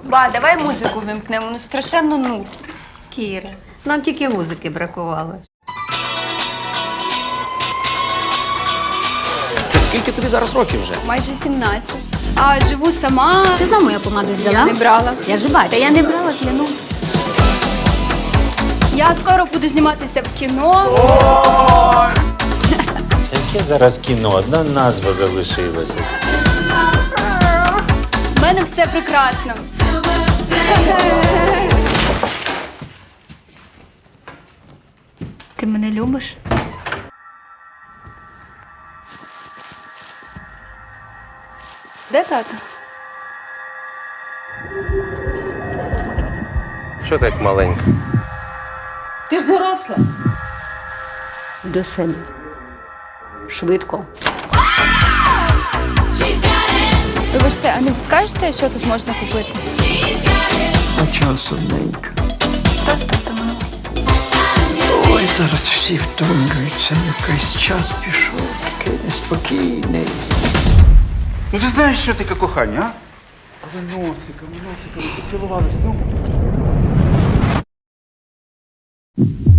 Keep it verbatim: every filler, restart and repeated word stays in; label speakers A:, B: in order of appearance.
A: Ба, давай музику вимкнемо, ну страшенно нудно.
B: Кіра, нам тільки музики бракувало.
C: Це скільки тобі зараз років вже?
A: Майже сімнадцять. А живу сама.
B: Ти знову мою помаду взяла?
A: Я не брала.
B: Я ж бачу.
A: Та я не брала, клянусь. Я скоро буду зніматися в кіно.
D: Яке зараз кіно? Одна назва залишилася.
A: У мене все прекрасно. Ти мене любиш? Де тато?
C: Що так маленька?
B: Ти ж доросла. До себе. Швидко.
A: Вибачте, а не скажете, що тут можна купити?
E: А часу ненька.
A: Просто втомила.
E: Ой, зараз всі втомлюються. Якийсь час пішов, такий неспокійний.
F: Ну ти знаєш, що таке кохання, а? Але носиком, носиком поцілувались, ну.